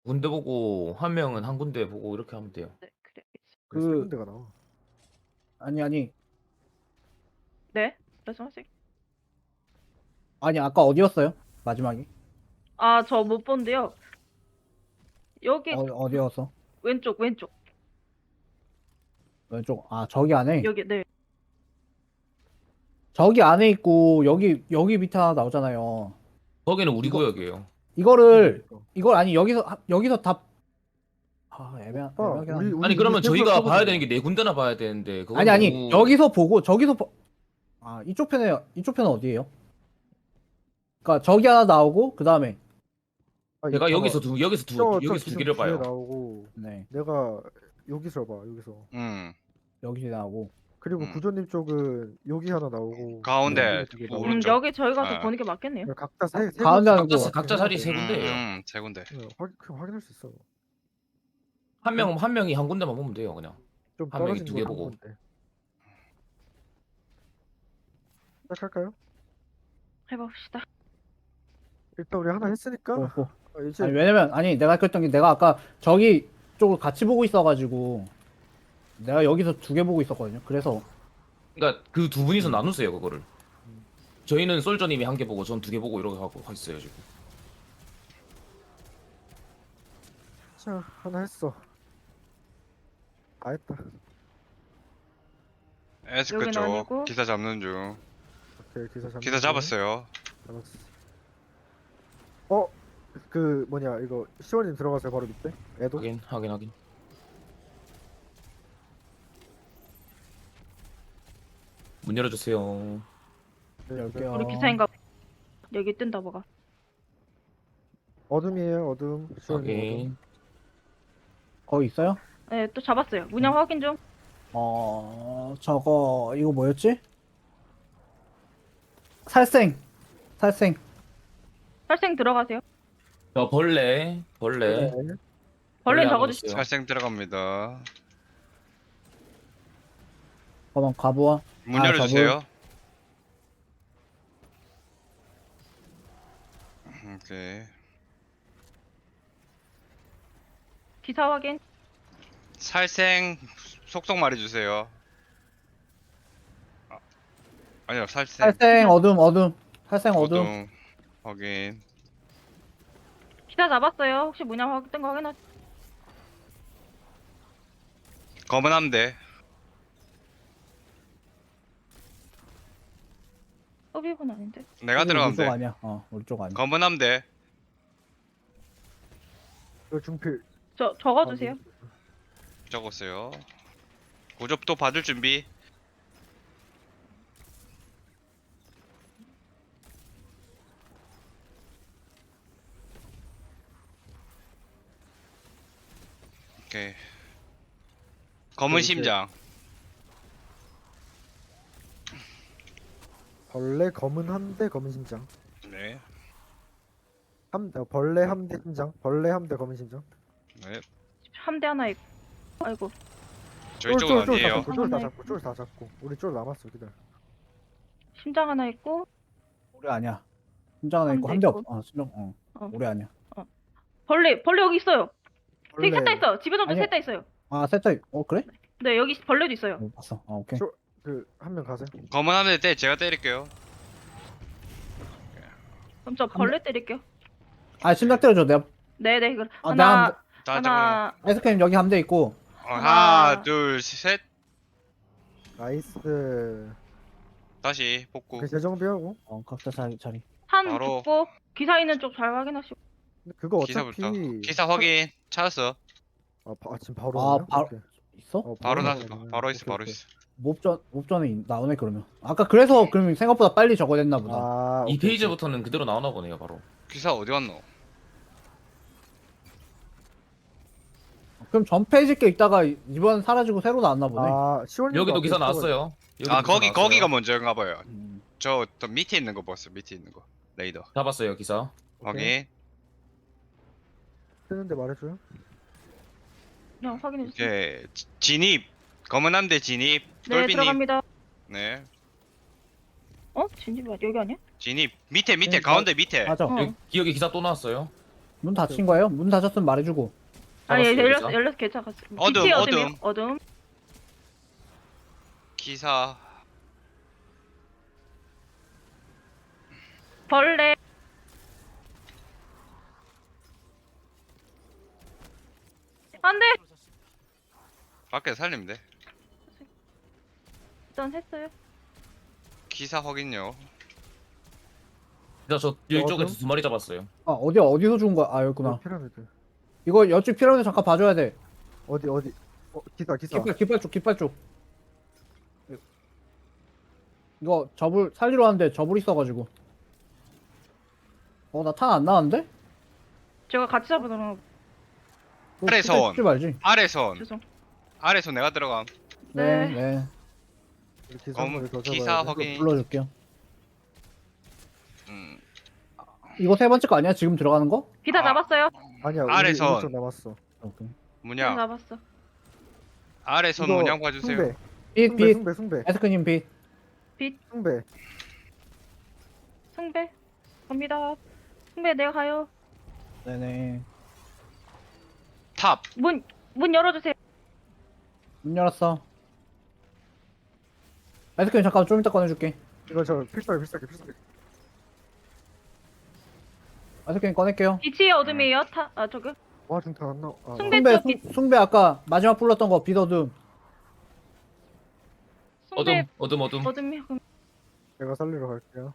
군데 보고 한 명은 한 군데 보고 이렇게 하면 돼요. 네, 그래. 그- 세 군데가 나와. 아니 네, 말씀하세요. 아니 아까 어디였어요? 마지막에 아, 저 못 본데요. 여기 어디였어? 왼쪽. 왼쪽. 아 저기 안에. 여기 네. 저기 안에 있고 여기 밑에 하나 나오잖아요. 거기는 우리 이거- 구역이에요. 이거를 그러니까. 이걸 아니 여기서 다 애매하게 우리 아니 그러면 세부로 저희가 써보자. 봐야 되는 게 네 군데나 봐야 되는데 그건 아니 너무... 여기서 보고 아 이쪽 편은 어디예요? 그러니까 저기 하나 나오고 그 다음에 아니, 제가 봐봐. 여기서 두 개를 지금 봐요. 뒤에 나오고 네 내가 여기서 봐 여기서. 여기 나오고 그리고 구조님 쪽은 여기 하나 나오고 가운데 여기 두개 나오고. 오른쪽. 여기 저희 가서 아. 보는 게 맞겠네요. 각자 세 가운데 하는 군데 거. 각자 자리 세 군데예요. 세 군데. 그냥 확인할 수 있어. 한 명이 한 군데만 보면 돼요, 그냥. 좀 한 명이 떨어진 두개 거 보고. 건데. 시작할까요? 해봅시다. 일단 우리 하나 했으니까 이제 아니 왜냐면 내가 그랬던 게 내가 아까 저기 쪽을 같이 보고 있어가지고 내가 여기서 두 개 보고 있었거든요. 그래서 그러니까 그 두 분이서 나누세요, 그거를. 저희는 솔저님이 한 개 보고 전 두 개 보고 이렇게 하고 있어요, 지금. 자 하나 했어. 다 했다. 에스크 여긴 쪽 아니고. 기사 잡는 중. 오케이 기사 잡았어요. 잡았어. 그 뭐냐 이거 시원님 들어가세요 바로 밑에. 애도. 확인. 문 열어주세요. 네, 열게요. 우리 기사인가 여기 뜬다 뭐가. 어둠이에요 어둠. 시원님 어둠. 확인. 거기 있어요? 네, 또 잡았어요. 문양 확인 좀. 저거 이거 뭐였지? 살생 살생 들어가세요. 저 벌레. 네. 벌레는 하고 적어주시죠. 있어요. 살생 들어갑니다. 잠깐만 가보아. 문 아, 열어주세요. 오케이. 기사 확인. 살생 속속 말해주세요. 아니요 살생. 살생 어둠. 살생 어둠. 어둠. 확인. 기사 잡았어요. 혹시 문양 확인 뜬거 확인하. 검은 함대. 서비분 아닌데. 내가 우리 쪽 들어가면 돼. 아니야. 우리 쪽 아니야. 검은 함대. 이거 중필. 적어주세요. 적었어요. 고접도 받을 준비. 오케이. 검은 이제- 심장. 벌레 검은 함대 검은 심장. 네. 벌레 함대 심장. 벌레 함대 검은 심장. 네. 함대 하나 있고. 아이고. 저희 쪽은 어디에요? 쫄다 잡고 쫄 다 잡고. 우리 쫄 남았어 기다려. 심장 하나 있고. 우리 아니야. 심장 하나 있고 함대 함대 있고. 없. 심장. 어. 우리 아니야. 벌레 여기 있어요. 되게 셋 다 벌레 있어요. 집에서도 아니야. 셋 다 있어요. 셋다 그래? 네, 여기 벌레도 있어요. 봤어. 오케이. 그 한 명 가세요. 검은 함대 때 제가 때릴게요. 그럼 저 벌레 때릴게요. 심장 때려줘. 내가 네네. 그럼 아, 하나 다 하나. 아이스크림 여기 함대 있고. 하나, 둘, 셋. 나이스. 다시 복구. 그 재정비하고. 각자 자리. 한 바로. 죽고 기사 있는 쪽 잘 확인하시고. 근데 그거 어차피 기사부터. 기사 확인. 찾았어. 지금 바로 아, 나오냐? 바로- 오케이. 있어? 바로 나오네. 나왔어. 바로 있어. 오케이, 바로 오케이. 있어. 몹전에 나오네 그러면. 아까 그래서 그러면 생각보다 빨리 적어냈나 보다. 이 오케이, 페이지부터는 그대로 나오나 보네요, 바로. 기사 어디 갔노? 그럼 전 페이지 게 있다가 이번 사라지고 새로 나왔나 보네. 시원님 여기도 기사 나왔어요. 여기도 아 기사 나왔어요. 거기가 먼저인가 봐요. 음. 저 밑에 있는 거 봤어. 밑에 있는 거. 레이더. 잡았어요, 기사. 확인. 뜨는데 말해줘요. 그냥 확인해 주세요. 오케이. 진입. 검은 함대 진입. 네, 돌비님. 들어갑니다. 네. 진입 여기 아니야? 진입. 밑에 네, 가운데 밑에. 맞아. 어. 여기 기사 또 나왔어요. 문 닫힌 거예요? 문 닫혔으면 말해주고. 아니 잡았어요, 열렸어 기사? 열렸어 괜찮았어. 어둠, 빛이 어둠. 어둠이요? 어둠. 기사 벌레. 안돼. 밖에 살리면 돼. 일단 했어요. 기사 확인요. 진짜 저 이쪽에서 어둠? 2마리 잡았어요. 아 어디서 죽은 거야? 아 여기구나. 피라미드. 이거 여쪽 피라미드 잠깐 봐줘야 돼. 어디? 기사. 깃발 쪽. 이거 접을 살리러 왔는데 접을 있어가지고. 나 탄 안 나왔는데? 제가 같이 잡으더라고. 아래서 온. 죽지 말지. 아래손. 죄송. 아래손 내가 들어감. 네, 네. 네. 우리 기사 한 마리 더 기사 잡아야 돼. 확인. 불러줄게요. 음. 이거 세 번째 거 아니야? 지금 들어가는 거? 기사 아. 잡았어요. 아니야. 아래선. 우리 쪽 남았어. 오케이. 기사 문양. 잡았어. 아래손 이거 문양 봐주세요. 숭배. 빛, 빛. 숭배. 에스크님 빛. 숭배. 승배. 갑니다. 승배 내가 가요. 네네. 탑. 문 열어주세요. 문 열었어. 에스크님 잠깐 좀 이따 꺼내줄게. 이거 저 필살기. 에스크님 꺼낼게요. 빛이 어둠이에요. 저기. 와 중탄 안 나와. 숭배 숭배, 쪽 빛. 숭배 아까 마지막 불렀던 거 빛어둠. 승배 어둠. 어둠이요. 그럼 내가 살리러 갈게요.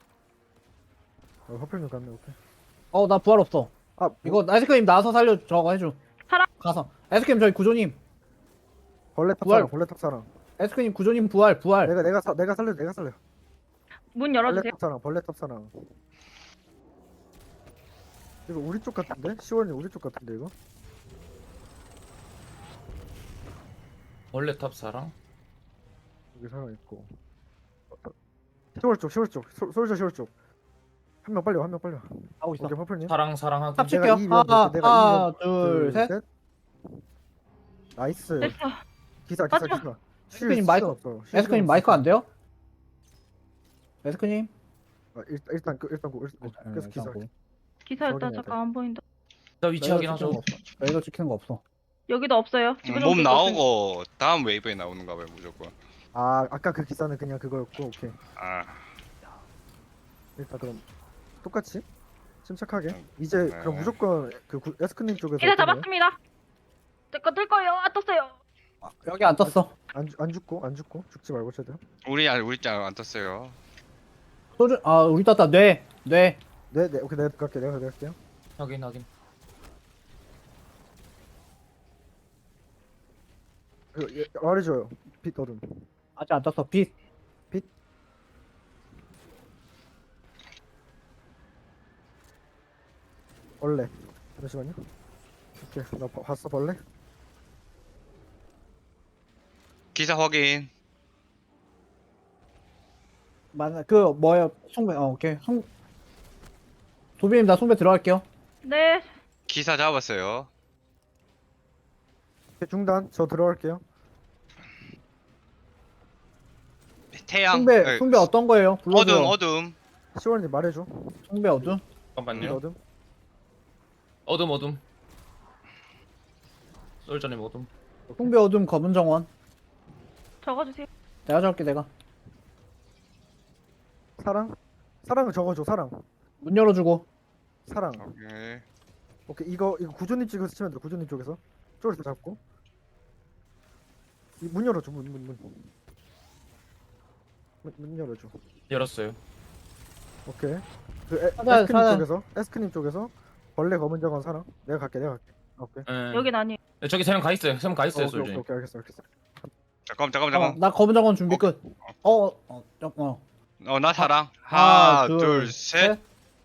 화풀님 갔네. 오케이. 나 부활 없어. 아 이거 에스크님 나와서 살려 저거 해줘. 사람. 가서. 에스크님 저기 구조님. 벌레 부활. 탑사랑. 벌레 탑사랑. 에스크님 구조님 부활. 내가 살려. 문 벌레 열어주세요. 탑사랑. 벌레 탑사랑. 이거 우리 쪽 같은데? 시원이 우리 쪽 같은데 이거? 벌레탑 사랑. 여기 사람 있고. 시월 쪽. 솔저 시월 쪽. 한 명 빨리 와. 하고 있어. 오케이 화풀님. 사랑 하기. 합칠게요. 이 위험 볼게, 내가 이 하나, 위험. 둘, 셋. 나이스. 됐어. 기사. 에스크님 마이크- 없어. 에스크님 마이크 안 돼요? 에스크님? 일단 계속 기사. 기사 일단 확인해야 잠깐 안 보인다. 나 위치 확인하죠. 여기도 찍히는 거 없어. 여기도 없어요. 몸 나오고 다음 웨이브에 나오는가 봐요 무조건. 아까 그 기사는 그냥 그거였고. 오케이. 아. 일단 그럼 똑같이 침착하게. 이제 네. 그럼 무조건 에스크님 쪽에서 기사 어떻게 해요? 잡았습니다. 뜰 거예요. 떴어요. 여기 안 떴어. 안 죽고 죽지 말고 최대한. 우리 짱안 떴어요. 소주, 우리 떴다. 뇌. 네 오케이 내가 갈게요. 확인. 말해줘요. 빛 어둠. 아직 안 떴어. 빛. 벌레. 잠시만요. 오케이 나 봤어 벌레. 기사 확인. 맞아. 뭐야. 송배. 오케이. 도비님 나 송배 들어갈게요. 네. 기사 잡았어요. 오케이, 중단. 저 들어갈게요. 태양. 송배 어떤 거예요? 불러줘요. 어둠. 시원님 말해줘. 송배 어둠? 빛 잠깐만요. 어둠. 어둠. 솔전님 어둠. 송배 어둠 검은 정원. 적어주세요. 내가 적을게 내가. 사랑은 적어줘. 사랑. 문 열어주고. 사랑. 오케이. 오케이 이거 구조님 쪽에서 치면 돼. 구조님 쪽에서 쪽에서 잡고. 문 열어줘. 문 열어줘. 열었어요. 오케이. 사장. 에스크님 쪽에서 벌레 검은 정원 사랑. 내가 갈게. 오케이. 여긴 아니에요. 저기 3명 가 있어요. 3명 가 있어요, 오케이, 솔전님. 오케이 알겠어. 잠깐. 나 검은 정원 준비 끝. 나 사랑. 하나, 하나, 둘, 셋.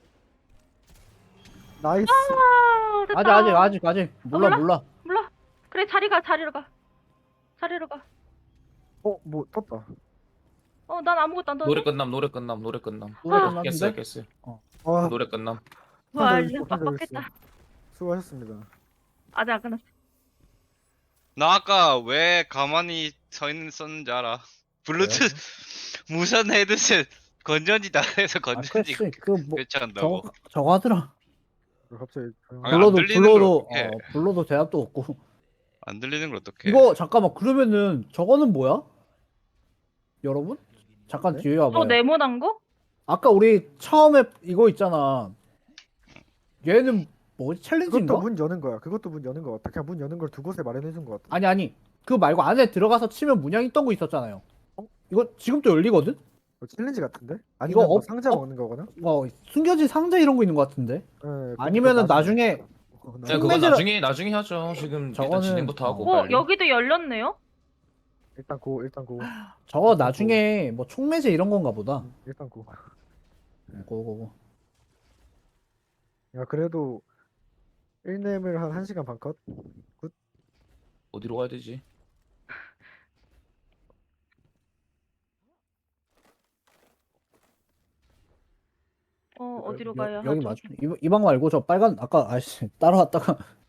나이스. 됐다. 아직. 몰라. 그래 자리로 가. 뭐 떴다. 난 아무것도 안 떴어. 노래 끝남. 노래 깼어요. 끝났는데? 와, 노래 끝남. 와, 혼자 이거 있어, 혼자 빡빡했다. 수고하셨습니다. 아직 안 끝났어. 나 아까 왜 가만히 서 있었는지 알아? 블루투스 무선 헤드셋 건전지다 해서 건전지 그렇지. 교체한다고. 저거 하더라. 갑자기 조용하게. 아니, 안 불러도 들리는 걸 불러도 어떡해. 불러도 대답도 없고. 안 들리는 걸 어떡해. 이거 잠깐만 그러면은 저거는 뭐야? 여러분? 잠깐 네? 뒤에 저 와봐요. 네모난 거? 아까 우리 처음에 이거 있잖아. 얘는 뭐지? 챌린지인가? 그것도 문 여는 거야. 그것도 문 여는 거 같아. 그냥 문 여는 걸 두 곳에 마련해 준 거 같아. 아니 그거 말고 안에 들어가서 치면 문양 있던 거 있었잖아요. 이거 지금 또 열리거든? 챌린지 같은데? 아니면 이거 뭐 상자 먹는 거거나? 숨겨진 상자 이런 거 있는 거 같은데? 네, 아니면은 나중에 네, 그건 나중에 하죠. 지금 일단 저거는- 진행부터 하고 어 빨리. 여기도 열렸네요? 일단 고 저거 나중에 뭐 총매제 이런 건가 보다. 일단 고. 고고고. 야 그래도 1렘을 한 1시간 반 컷? 어디로 가야 되지? 어디로 가야 여기 하죠? 맞죠? 이 방 말고 저 빨간 아까 아씨 따라왔다가